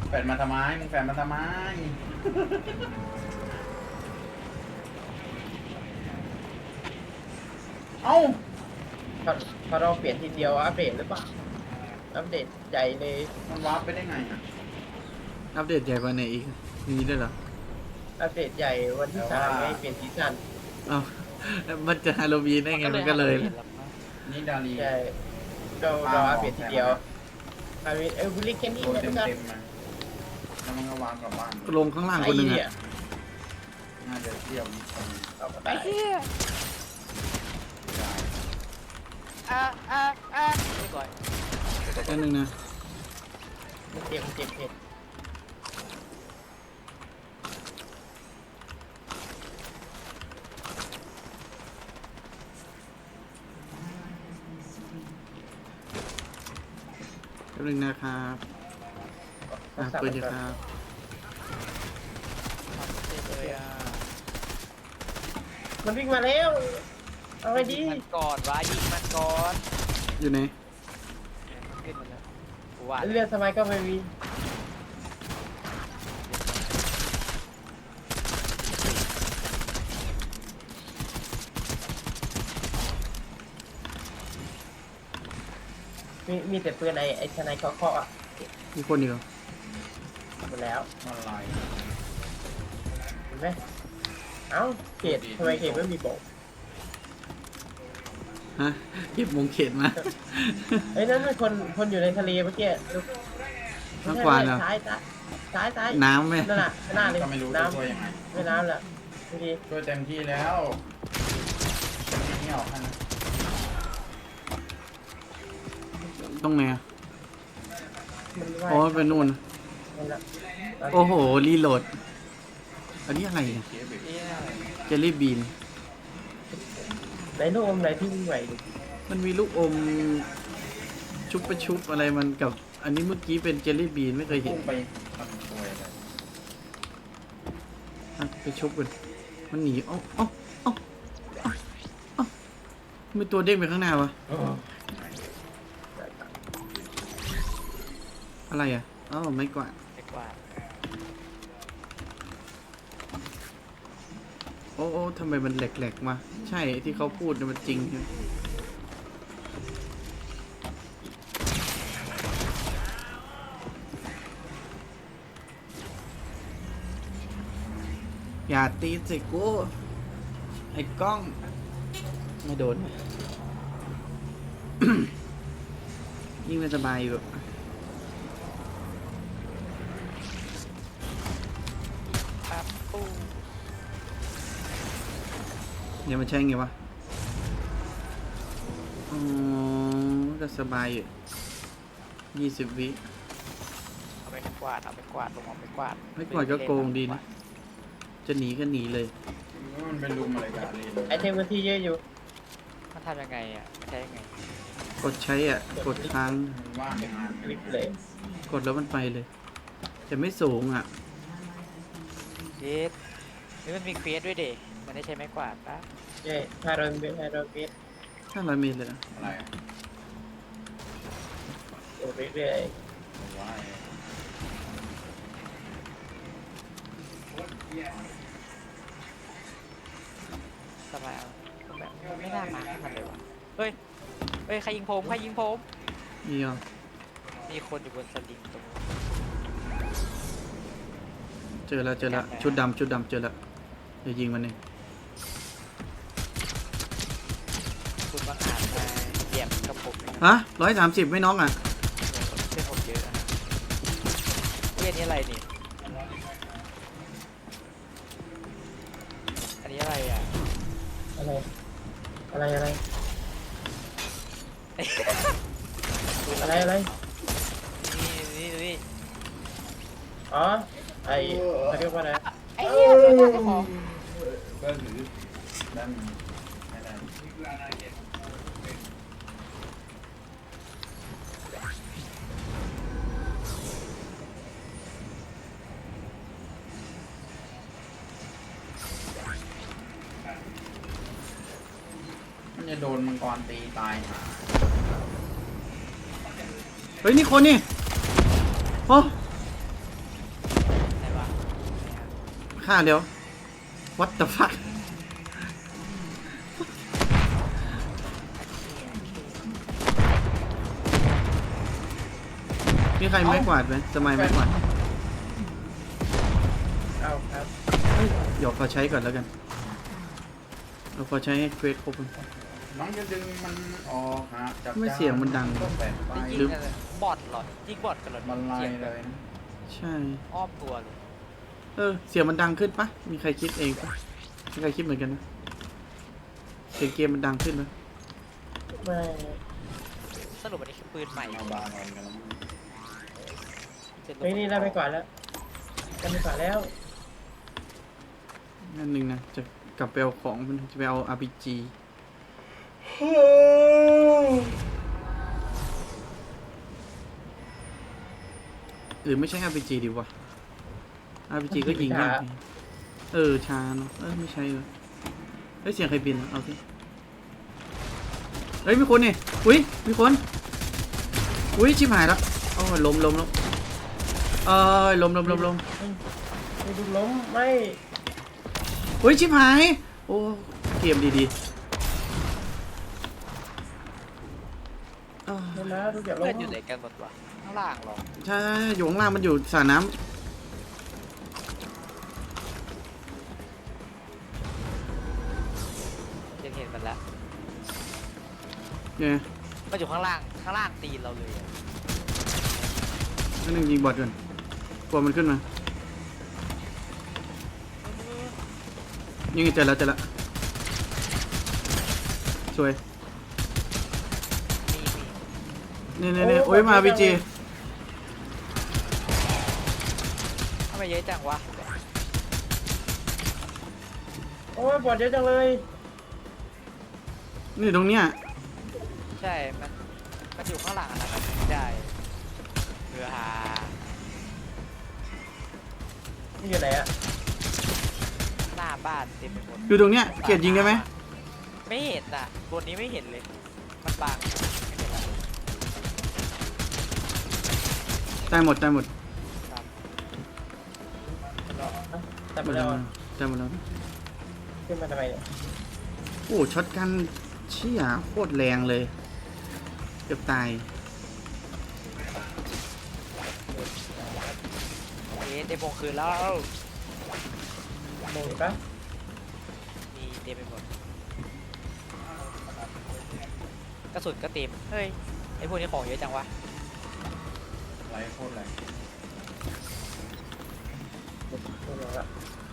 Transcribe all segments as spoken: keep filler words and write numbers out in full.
แฟนมาทำไมมึงแฟนมาทำไมเอ้าพอเราเปลี่ยนทีเดียวอัปเดตหรือเปล่าอัปเดตใหญ่เลยมันวาร์ปไปได้ไงอ่ะอัปเดตใหญ่กว่าไหนอีกมีด้วยเหรออัปเดตใหญ่วันที่สามไม่เปลี่ยนซีซั่นอ้าวมันจะฮาโลวีนได้ไงมันก็เลยนี่ดารีใช่เราเราอัปเดตทีเดียวอัปเดตเออบุลลี่แค่นี้โดนนะเต็ทุมกท่านเต็มมาแล้วมันก็วางกลับบ้านลงข้างล่างคนหนึ่งไอ้เหี้ยอะน่าจะเที่ยวนิดนึงเอาไปไอ้เหี้ยได้อ่ะอ่ะอ่ะไม่ก่อยแค่นึงนะมันเจ็บมันเจ็บเจ็บแค่นึงนะครับอ่ะเปิดดีครับเจ็บเลยอ่ะมันวิ่งมาแล้วเอาไปดียิงมันก่อนวะยิงมันก่อนอยู่ไหนขึ้นมาแล้วกูว่าเลือดสมัยก็ไม่มีมีมีแต่ปืนไอ้ไอ้ชนายเคาะเคาะอ่ะมีคนอยู่หมดแล้วอะไรเห็นไหมเอ้าเขตทำไมเขตไม่มีโบกฮะเก็บมงเขตมาเอ้ยนั่นมันคนคนอยู่ในทะเลเมื่อกี้ดูน้ำกวานเหรอซ้ายซ้ายซ้ายซ้ายน้ำไหมนั่นน่ะข้างหน้าเลยก็ไม่รู้จะน้ช่วยยังไงำไม่น้ำแหละดูดีช่วยเต็มที่แล้วไม่ออกให้นะตรงไหนอะมันว่าอ๋อเป็นนู่นนั่นแหละโอ้โหรีโหลด อันนี้อะไรเนี่ยเคสเบรกเหี้ยเจลลี่บีนไหนลูกอมไหนที่วิ่งไหวดูมันมีลูกอมชุบประชุบอะไรมันกับ อันนี้เมื่อกี้เป็นเจลลี่บีนไม่เคยเห็พุ่นงไปทำช่วยอะไรอ่ะไปชุบกันมันหนีเอ้าเอ้าเอ้าเอ้าเอ้ามีตัวเด้งไปข้างหน้าวะเอออะไรอ่ะอ้าวไม่กวาดไอ้กวาดโอ้โอ้ทำไมมันแหลกๆมาใช่ที่เขาพูดเนี่ยมันจริงใช่ไหมอย่าตีสิกูไอ้กล้อง ไม่โดน ยิ่งไม่สบายอยู่ปั๊บปูเดี๋ยวมันใช่ไงวะอ๋อก็สบายอยู่ยี่สิบวิเอาไปกวาดเอาไปกวาดลงเอาไปกวาดไม่กวาดก็โกงดีนะ จะหนีก็หนีเลยมันเป็นลุมอะไรกันเลยไอเทมมันที่เยอะอยู่มันทำยังไงอ่ะมันใช้ยังไงกดใช้อ่ะ กดค้างมันว่างงานคลิปเลยกดแล้วมันไปเลย แต่ไม่สูงอ่ะเยสนี่มันมีเควสด้วยเด็มันได้ใช้ไม้กวาดปะใช่ห้าร้อยเมตรห้าร้อยเมตรห้าร้อยเมตรเลยเหรออะไรอะโอ้เรื่อยผมว่าสบายเอาแบบไม่น่ามาให้มันเลยวะเฮ้ยเฮ้ยใครยิงผมใครยิงผมมีอ่ะมีคนอยู่บนสลิงตรงนู้นเจอแล้วเจอแล้วชุดดำชุดดำเจอแล้วเดี๋ยวยิงมันเองคุณบังอาจมาเหยียบกับผมนะคฮะรับร้อยสามสิบไม่น้องอ่ะเส้นผมเยอะนะเฮ้ยอันนี้อะไรนี่อันนี้อะไรอ่ะๆอะไรอะไรอะไรอะไรอะไรนี่นี่นี่อ๋อไอเขาเรียกว่าอะไรไอ้เหี้ยโดนเจ้าของก็หรือด้านไม่ได้มันจะโดนมังกรตีตายหาเฮ้ย นี่คนนี่โอ้ฆ่าเร็ว what the fuck มีใครไม้กวาดไหมสมัยไม้กวาดเอาครับเดี๋ยวขอใช้ก่อนแล้วกันเราขอใช้ให้เควสครบก่อนน้องจะดึงมันออกฮะจับไม่เสียงมันดังก็แปะไปได้ยิงอะไรบอทเหรอยิงบอทกันเหรอมันลายเสียงเลแบบยนะใช่อ้อมตัวเลยเออ เสียงมันดังขึ้นปะมีใครคิดเองปะมีใครคิดเหมือนกันนะเสียงเกมมันดังขึ้นปะไม่สรุปอันนี้คือปืนใหม่เอาบาร์นอนกันแล้วมั้งเฮ้ยนี่ได้ไม่กว่าดแล้วได้ไม่กว่าดแล้วนั่นหนึ่งนะ จะกลับไปเอาของมันจะไปเอา อาร์ พี จี หรือไม่ใช่ อาร์ พี จี ดีวะ อาร์ พี จี ก็ยิงยากไงเออช้าเนาะเออไม่ใช่เลยเฮ้ยเสียงใครบินอะเอาสิเฮ้ยมีคนนี่อุ้ยมีคนอุ้ยชิบหายแล้วโอ้ยล้มล้มล้มเออล้มล้มล้มล้มไม่ดูล้มไม่อุ้ยชิบหายโอ้เกมดีๆอ้าวไม่นะทุกอย่างล้เพื่อมนอยู่ไหนกันหมดวะข้างล่างเหรอใช่อยู่ข้างล่างมันอยู่สระน้ำยังเห็นมันแล้วเนี่ยมันอยู่ข้างล่างข้างล่างตีนเราเลยอะนั่นหนึ่งยิงบอดก่อนกลัวมันขึ้นมายิงเจอแล้วเจอแล้วสวยมีมีเนี่ยเนี่ยเนี่ยโอ้ยมาพีจีทำไมเยอะจังวะโอ้ยปวดเยอะจังเลยนี่ตรงเนี้ยใช่มันมันอยู่ข้างหลังอะนะมันได้เรือหานี่อยู่ไหนอะหน้าบ้านเต็มไปหมดอยู่ตรงเนี้ยเกียรติยิงได้ไหมไม่เห็นอ่ะบนนี้ไม่เห็นเลยมันบังไม่เห็นอะตายหมดตายหมดครับแต่หมไม่ดได้แล้วเอาตายหมดแล้วขึ้นมาทำไมเนี่ยโอ้ช็อตกันเชี่ยโคตรแรงเลยเกือบตายเอ๊ะเต็มวงคืนแล้วมองเห็นปะมีเต็มไปหมดกระสุนก็เต็มเฮ้ยไอพวกนี้ของเยอะจังวะไหลโคตรไหลไม่รู้ละ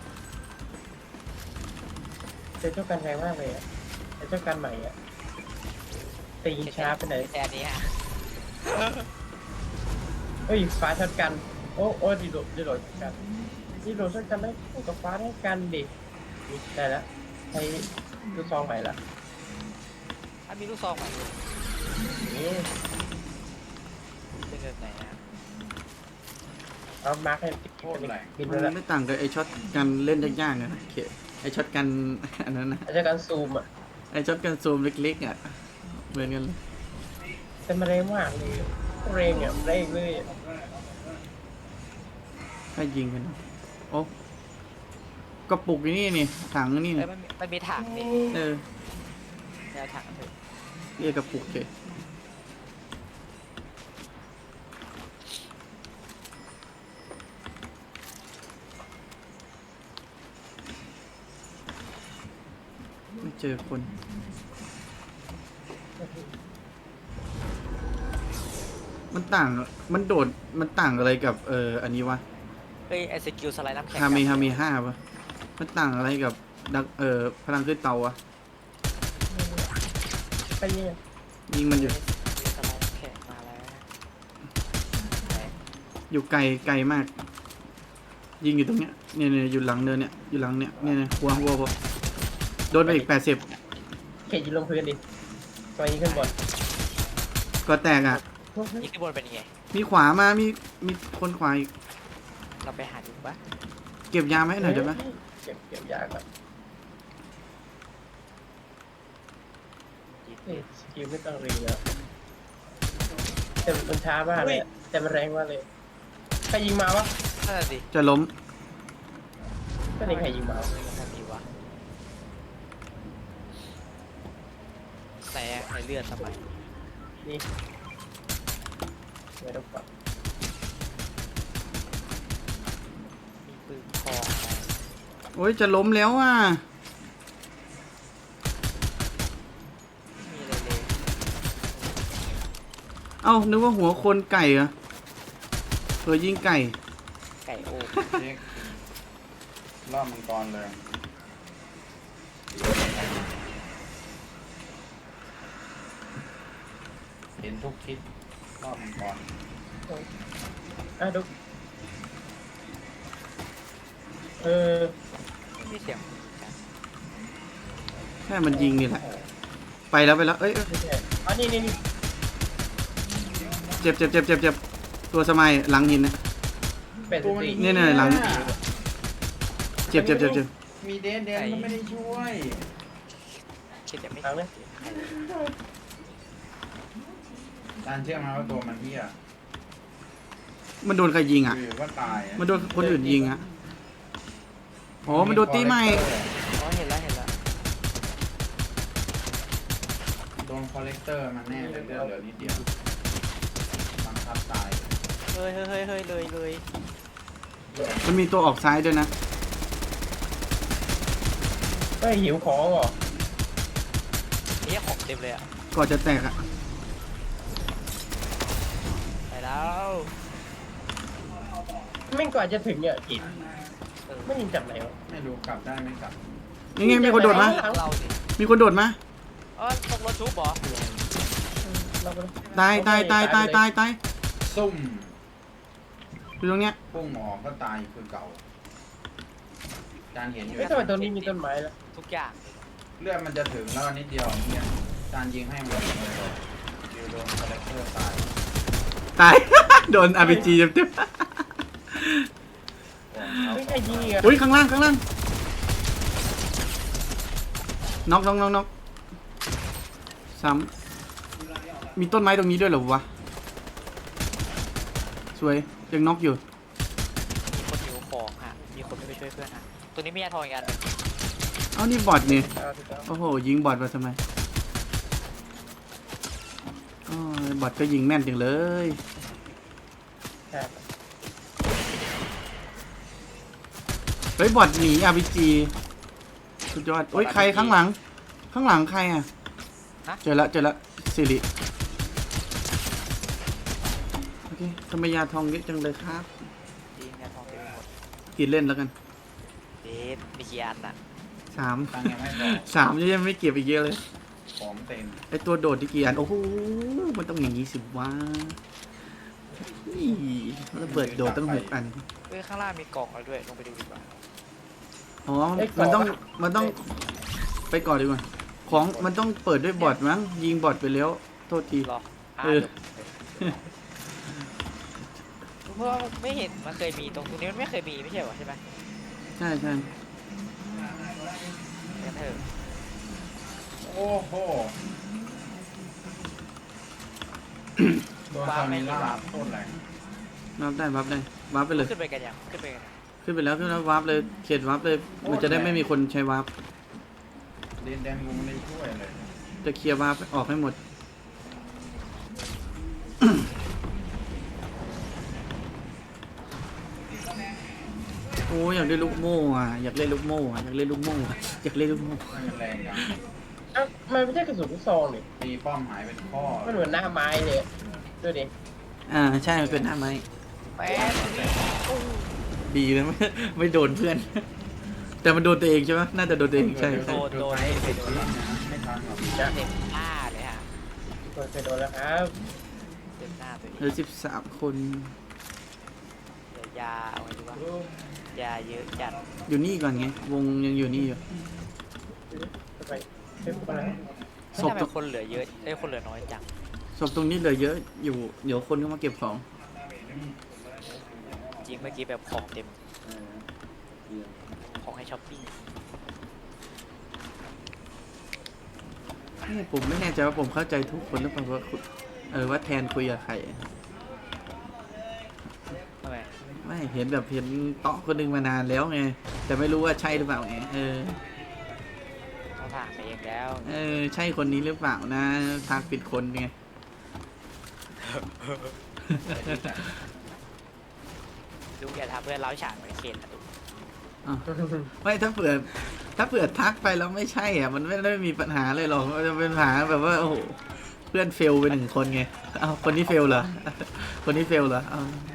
เจอเจ้ากันแรงมากเลยอะไอ้เจ้ากันใหม่อะตีช้าไปไหนแต่อันนี้ฮะเฮ้ยฟ้าช็อตกัน โอ้โอ้ดีโดดดีโดดช็อตกันดีโดดช็อตกันได้คู่กับฟ้าได้กันดิได้แล้วใช้ลูกซองใหม่ละถ้ามีลูกซองไหมนี่เป็นเงินไหนฮะเอามาร์คให้โคตรไหลบินไปมันแล้วไม่ต่างกับไอช็อตกันเล่นยากๆอะนะเคไอช็อตกัน อันนั้นนะไอ้เจ้ากันซูมอะไอช็อตกันซูมเล็กๆอ่ะเหมือนกันเลยแต่มันแรงมากเลยแรงอะแรงเลยถ้ายิงกันนะโอ้กระปุกนี่นี่ถังนี่เอ้นี่ยมันมีมันมีถังดิเออแนวถังเถอะเรียกกระปุกเลยไม่เจอคน มันต่าง มันโดด มันต่างอะไรกับ เอออันนี้วะเฮ้ยไอสกิลสไลด์น้ำแข็งฮามีฮามีห้าปะมันต่างอะไรกับดักเออพลังขึ้นเตาวะไปยิงยิงมันอยู่สไลด์น้ำแข็งมาแล้วไหนอยู่ไกลไกลมาก ยิงอยู่ตรงเนี้ยเนี่ยเนี่ยอยู่หลังเนินเนี่ยอยู่หลังเนี่ยเนี่ยเนี่ยหัวหัวหัวโดนไปอีกแปดสิบเขตยิงลงพื้นดิตัวยิงขึ้นบนก็แตกอ่ะนี่ขึ้นบนเป็นยังไงมีขวามามีมีคนขวาอีกเราไปหาดูปะเก็บยามาให้หน่อยได้ไหมเก็บเก็บยาก่อนยิงเอ้ยสกิลไม่ต้องเรียนแล้วแต่มันช้ามากเลยอะแต่มันแรงมากเลยใครยิงมาวะนั่นนะสิจะล้มก็นี่ใครยิงมาทำดีวะใส่ใส่เลือดทำไมนี่ไม่ต้องกดมีปืนคองอะไรโอ้ยจะล้มแล้วอ่ะมีอะไรเลยเอ้านึกว่าหัวคนไก่เหรอเออยิงไก่ไก่โอ้เช็ครอบมังกรเลย เห็นทุกทิศรอบมังกรอ่ะดูเออไม่เสียงแค่มันยิงนี่แหละ ไปแล้วไปแล้ว เอ้ยเอ้ยไม่ใช่อ๋อนี่นี่นี่เจ็บเจ็บเจ็บเจ็บเจ็บตัวสมัยหลังหินนะเป็ดสติเนี่ยเนี่ยหลัง เจ็บเจ็บเจ็บเจ็บมีเดนเดนก็ไม่ได้ช่วยคิดจะไม่ทางเลยตานเชื่อไหมว่าตัวมันเหี้ยมันโดนใครยิงอ่ะคือว่าตายอะมันโดนคนอื่นยิงอ่ะอ๋อมันโดนตีใหม่อ๋อเห็นแล้วเห็นแล้วโดนคอลเลกเตอร์มันแน่เลยเลือดเหลือนิดเดียวบังคับตายเฮ้ยเฮ้ยเฮ้ยเฮ้ยเลยเลยมันมีตัวออกซ้ายด้วยนะเฮ้ยหิวของเหรอนี่ของเต็มเลยอ่ะก่อนจะแตกอ่ะไปแล้วไม่งกว่าจะถึงเนี่ยกินเออไม่ยิงจากไหนวะไม่รู้กลับได้ไม่กลับนี่ไงมีคนโดดมาเราสิมีคนโดดมาเออตกรถชุบเหรอเราก็ตายตายตายตายตายตายซุ่มอยู่ตรงเนี้ยพุ่งออกก็ตายคือเก่า จานเห็นอยู่เฮ้ยทำไมตรงนี้มีต้นไม้ล่ะทุกอย่างเลือดมันจะถึงแล้วนิดเดียวเนี่ยจานยิงให้หมดเลยดิวโดนคอลเลกเตอร์ตายตาย โดน อาร์ พี จี เต็มเต็มไม่ใครยิงอ่ะอุ้ยข้างล่างข้างล่างน็อกน็อกน็อกน็อกซ้ำมีต้นไม้ตรงนี้ด้วยเหรอวะ สวยยังน็อกอยู่มีคนหิวของฮะมีคนไม่ไปช่วยเพื่อนฮะตัวนี้มียาทองอีกอันหนึ่งเอ้านี่บอทนี่เอาถูกต้องโอ้โหยิงบอทมาทำไมอ๋อบอทก็ยิงแม่นจังเลยใช่เฮ้ยบอทหนี อาร์ พี จี สุดยอดโอ้ยใครข้างหลัง ข้างหลังใครอ่ะเจอละเจอละสิริโอเคทำไมยาทองเยอะจังเลยครับจริงยาทองเต็มไปหมดกินเล่นแล้วกันเด็ดมีกี่อันอ่ะสามตังค์ยังไม่พอสามยังไม่เก็บอีกเยอะเลยของเต็มไอตัวโดดที่กี่อัน โอ้โห มันต้องอย่างนี้สิวะนี่ระเบิดโดดตั้งหกอันเฮ้ยข้างล่างมีกล่องอะไรด้วยลงไปดูดีกว่าอ๋อ มันต้อง มันต้องไปก่อนดีกว่า ของมันต้องเปิดด้วยบอทมั้ง ยิงบอทไปแล้ว โทษทีรออ่าเออเพราะว่าไม่เห็นมันเคยมีตรงตรงนี้มันไม่เคยมีไม่ใช่เหรอใช่ไหมใช่ใช่งั้นเถอะโอ้โหโดนซามิล่าโคตรแรงวับได้วับได้วับไปเลยขึ้นไปกันยังขึ้นไปกันยังขึ้นไปแล้วขึ้นแล้ววับเลย เขตวับเลย มันจะได้ไม่มีคนใช้วับเดนแดนกูไม่ได้ช่วยเลยจะเคลียร์วับออกให้หมด โอ้ยอยากได้ลูกโม่อะอยากเล่นลูกโม่อะอยากเล่นลูกโม่อะอยากเล่นลูกโม่ไม่มันแรงจังเอ้ามันไม่ใช่กระสุนลูกซองนี่ตีป้อมหายเป็นข้อมันเหมือนหน้าไม้เลยดูดิอ่าใช่มันเป็นหน้าไม้แป๊บดีเลยไม่ไม่โดนเพื่อน แต่มันโดนตัวเองใช่ไหมน่าจะโดนตัวเองใช่โดใช่นโดนไปเสร็จแล้วนะไม่ทันหรอกเต็มหน้าเลยฮะเคยโดนแล้วครับเต็มหน้าตัวเองเหลือสิบสามคนเดี๋ยวยาเอาไว้ดูว่ายาเยอะจัดอยู่นี่ก่อนไง วงยังอยู่นี่อยู่ทำไมเฮ้ยอะไรศศพพตรงคนเหลือเยอะเอ้ยคนเหลือน้อยจังศพตรงนี้เหลือเยอะอยู่ เดี๋ยวคนก็มาเก็บของจริงเมื่อกี้แบบของเต็มของให้ช้อปปิ้งนี่ผมไม่แน่ใจว่าผมเข้าใจทุกคนหรือเปล่าว่าคุณเออว่าแทนคุยกับใครทำไมไม่เห็นแบบเห็นเตาะคนหนึงมานานแล้วไงแต่ไม่รู้ว่าใช่หรือเปล่าไงเออเขาผ่านไปเองแล้วเออใช่คนนี้หรือเปล่านะทางปิดคนไงดูอย่าทำเพื่อนเราฉากเหมือนเคนนะดูอ้าวไม่ถ้าเผื่อถ้าเผื่อทักไปแล้วไม่ใช่อ่ะมันไม่ได้มีปัญหาเลยหรอกมันจะเป็นปัญหาแบบว่าโอ้โหเพื่อนเฟลไปหนึ่งคนไงเอาคนนี้เฟลเหรอ คนนี้เฟลเหรอเอา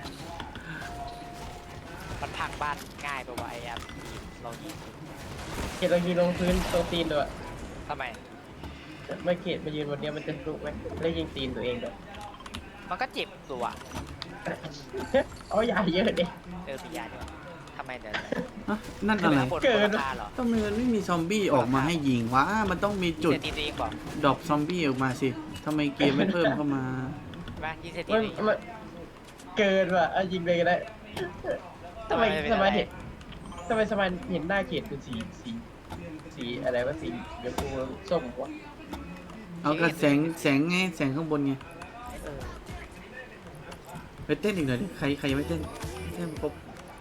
มันพังบ้านง่ายไปวะไอ้แอปเรายิงเขตเรายืนลงพื้นตรงตีนด้วยทำไมไม่เขตมายืนบนเนี้ยมันจะลุกไหมแล้วยิงตีนตัวเองด้วยมันก็เจ็บตัวเอาใหญ่เยอะดิเออมียาด้วยทำไมเดินอ่ะนั่นอะไรบนเกินราคาเหรอทำไมมันไม่มีซอมบี้ออกมาให้ยิงวะมันต้องมีจุดเซตีตัวเองบอกดรอปซอมบี้ออกมาสิทำไมเกมไม่เพิ่มเข้ามาใช่ไหมยิงเซตีมันตัวเองมันเกินว่ะเอายิงเลยก็ได้ทำไมสมัยเห็นทำไมสมัยเห็นหน้าเขตเป็นสีสีสีอะไรวะสีเดี๋ยวกูส้มวะเอากระแสงแสงไงแสงข้างบนไงเออไปเต้นอีกหน่อยดิใครใครยังไม่เต้นเต้นครบ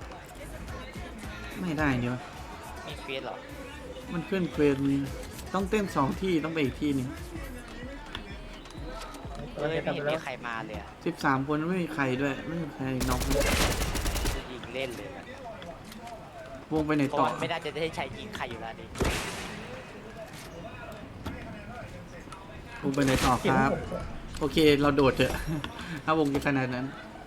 ไม่ได้เนี่ยวะมีเฟสเหรอมันขึ้นเควสมีต้องเต้นสองที่ต้องไปอีกที่หนึงเอ้ยไม่เห็นมีใครมาเลยอะสิบสามคนไม่มีใครด้วยไม่มีใครน็อกเลยจะยิงเล่นเลยนะวงไปไหนเพราะต่อว่าไม่น่าจะได้ใช้ยิงใครอยู่แล้วนี่วงไปไหนต่อครับ โอเคเราโดดเถอะ ถ้าวงจะขนาดนั้น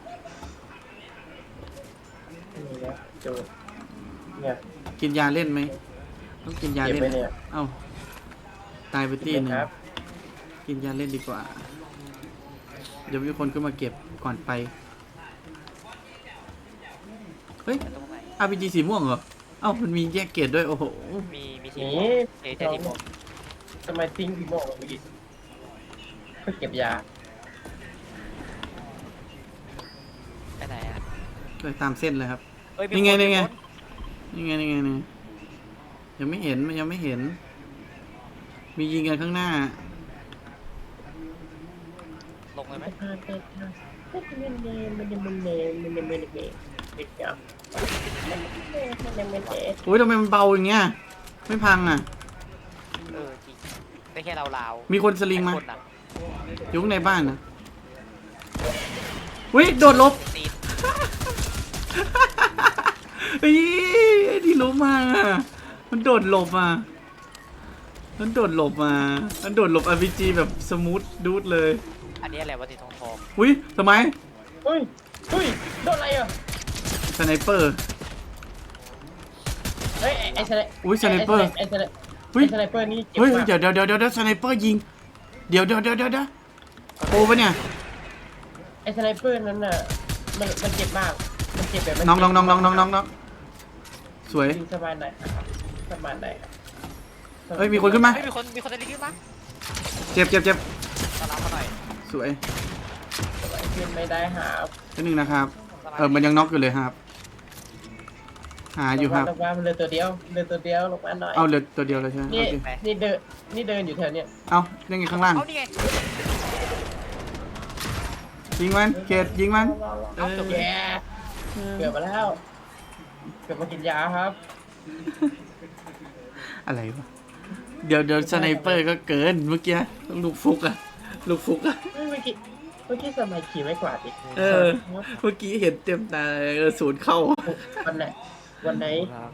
นี่นะโจดเนี่ยกินยาเล่นไหมต้องกินยาเก็บเล่นไว้เนี่ยเอ้าตายไปตีหนึ่งครับกินยาเล่นดีกว่า เดี๋ยวมีคนขึ้นมาเก็บก่อนไป เฮ้ยตรงไหนอาร์พีจีสีม่วงเหรอ เอ้ามันมีแยกเกรดด้วย โอ้โหมีมีทีนี่มเอเจทีมผมทำไมทิ้งพี่โมกเมื่อกี้เพื่อเก็บยาไปไหนอ่ะไปตามเส้นเลยครับเอ้ยมีนี่ไงคนี่ไงมีคนี่ไงนี่ไงนี่ยังไม่เห็นมันยังไม่เห็น มียิงกันข้างหน้าลงเลยไหมมันเป็นมันเนมมันเนมมันเนมมันเนมมันเนมมันเนมมันเนมมันเนมโอ้ยทำไมมันเบาอย่างเงี้ย ไม่พังอ่ะเออจริงได้แค่เราลาวมีคนสลิงมาไอ้คนอะอยู่ข้างในบ้านนะเฮ้ย โดดหลบตีนเฮ้ยไอ้ที่ล้มมาอะมันโดดหลบมามันโดดหลบมา มันโดดหลบ อาร์ พี จี แบบสมูทดูดเลยอันนี้อะไรวะตีทองทองอุ้ยทำไมเฮ้ยเฮ้ยโดนอะไรอ่ะสไนเปอร์เฮ้ยไอ้สไนอุ้ยสไนเปอร์ไอ้สไนเฮ้ยไอ้สไนเปอร์นี่เจ็บเฮ้ยมากเดี๋ยวเดี๋ยวเดี๋ยวเดี๋ยวสไนเปอร์ยิง เดี๋ยวเดี๋ยวเดี๋ยวเดี๋ยวเดี๋ยวโอ้ปะเนี่ยไอ้สไนเปอร์นั้นน่ะมันมันเจ็บมากมันเจ็บแบบน้องน้องน้องน้องน้องน้องน้องสวยยิงสบายไหนสบายไหนเฮ้ยมีคนขึ้นมาเฮ้ยมีคนมีคนจะรีบขึ้นมาเจ็บเจ็บเจ็บต้อนรับมาหน่อยสวยขึ้นไม่ได้หานิดนึงนะครับ เออมันยังน็อกอยู่เลยครับ หาอยู่ครับลงมามันเหลือตัวเดียวเหลือตัวเดียวลงมาหน่อยเอาเหลือตัวเดียวเลยใช่ไหมนี่โอเคนี่เดินนี่เดินอยู่แถวเนี้ยเอายังไงข้างล่างเอานี่ไงยิงมันเกตยิงมันเออแย่เกือบมาแล้วเกือบมากินยาครับอะไรวะ เดี๋ยวเดี๋ยวสไนเปอร์ก็เกินเมื่อกี้ลูกฟุกอะลูกฟุกอะเมื่อกี้เมื่อกี้สมัยขี่ไม่กวาดอีกเออ เมื่อกี้เห็นเต็มตาเลยเออศูนย์เข้าวันไหนวันไหน